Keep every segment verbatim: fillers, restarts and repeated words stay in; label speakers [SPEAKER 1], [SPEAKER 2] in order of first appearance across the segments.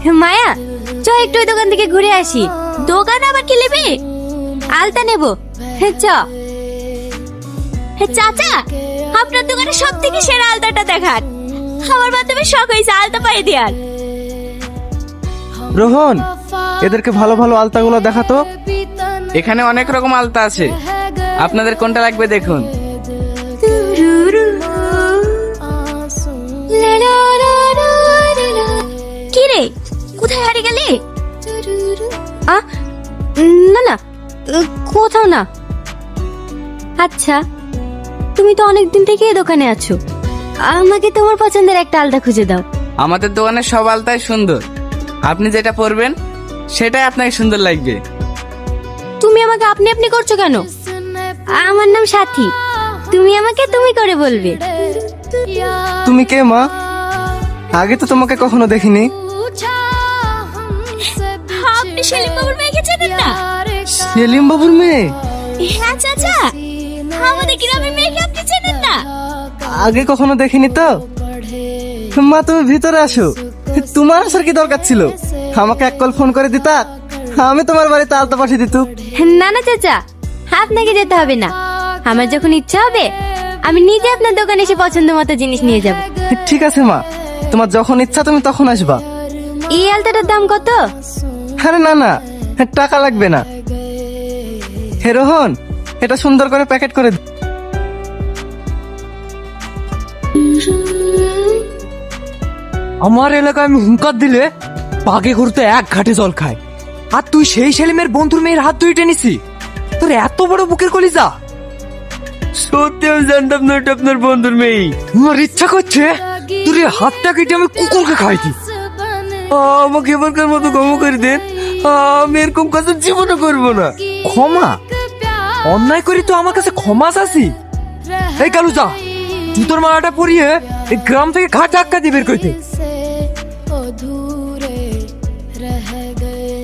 [SPEAKER 1] মায়া, চ একটু ওই দোকান থেকে ঘুরে আসি। দোকান আবার কি নেবে? আলতা নেব। চ। চাচা, আপনার দোকানে সব থেকে সেরা আলতাটা দেখান। আমার বান্ধবীর শখ হয়েছে আলতা পায়ে দেওয়ার।
[SPEAKER 2] রোহন, এদেরকে ভালো ভালো আলতাগুলো দেখাতো।
[SPEAKER 3] এখানে অনেক রকম আলতা আছে, আপনাদের কোনটা লাগবে দেখুন।
[SPEAKER 1] কি রে, কোথায় হারিয়ে গেলি? আ না না, কোথাও না। আচ্ছা, তুমি তো অনেকদিন থেকে এই দোকানে আছো, আমাকে তোমার পছন্দের একটা আলতা খুঁজে দাও।
[SPEAKER 3] আমাদের দোকানের সব আলতাই সুন্দর, আপনি যেটা পরবেন সেটাই আপনাকে সুন্দর লাগবে।
[SPEAKER 1] তুমি আমাকে আপনি আপনি করছো কেন? আমার নাম সাথী, তুমি আমাকে তুমি করে বলবে।
[SPEAKER 2] তুমি কে মা? আগে তো তোমাকে কখনো দেখিনি।
[SPEAKER 1] আপনি সেলিম বাবুর মেয়েকে চেনেন না?
[SPEAKER 2] সেলিম বাবুর মেয়ে?
[SPEAKER 1] হ্যাঁ চাচা, আমাদের গ্রামের মেয়েকে আপনি চেনেন না?
[SPEAKER 2] আগে কখনো দেখিনি তো। মা, তুমি ভিতরে আসো। তোমার আসার কি দরকার ছিল? আমাকে এক কল ফোন করে দিতা, আমি তোমার বাড়িতে আলতা পাঠিয়ে দিত।
[SPEAKER 1] না না চাচা, আপনাকে যেতে হবে না। আমার যখন ইচ্ছা হবে আমি নিজে আপনার দোকানে এসে পছন্দ মতো জিনিস নিয়ে যাব।
[SPEAKER 2] ঠিক আছে মা, তোমার যখন ইচ্ছা তুমি তখন আসবা।
[SPEAKER 1] এই আলতাটার দাম কত?
[SPEAKER 2] আরে না না, টাকা লাগবে না। হে রোহন, এটা সুন্দর করে প্যাকেট করে দে।
[SPEAKER 4] আমার এলাকায় আমি হুঙ্কার দিলে বাগে ঘুরতে এক ঘাটে জল খায়, আর তুই সেই সেলিমের বন্ধুর মেয়ের হাত ধুয়ে টেনিসি? তোর এত বড় বুকের কলিজা!
[SPEAKER 3] সত্যি আমি জানতাম না এটা আপনার বন্ধুর মেয়ে।
[SPEAKER 4] আমার ইচ্ছা করছে তোর এই হাতটা কেটে আমি কুকুরকে খাই দিই।
[SPEAKER 3] আমাকে এবারকার মতো ক্ষমা করে দেন, আমি এরকম কাজ জীবনে করবো না।
[SPEAKER 4] ক্ষমা? অন্যায় করি তো আমার কাছে ক্ষমা চাচ্ছি? এই কালু যা, তুই তোর মালাটা পরিয়ে এই গ্রাম থেকে ঘাট ধাক্কা দিয়ে বের করতে।
[SPEAKER 5] अधूरे रह गए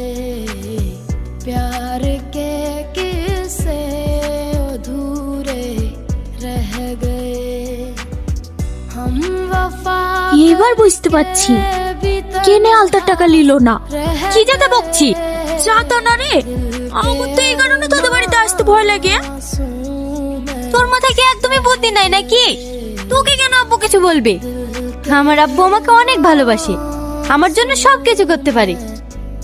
[SPEAKER 5] प्यार के किस्से अधूरे रह गए हम वफा
[SPEAKER 1] এবার বুঝতে পারছি কেনে আলতার টাকা নিল না। কি যাতে বকছি যাতা না রে, আমার তো এই কারণে তোদের বাড়িতে আসতে ভয় লাগে। তোর মাথায় কি একদমই বুদ্ধি নাই নাকি? তোকে কেন আব্বু কিছু বলবে? আমার আব্বু আমাকে অনেক ভালোবাসে, আমার জন্য সব কিছু করতে পারে।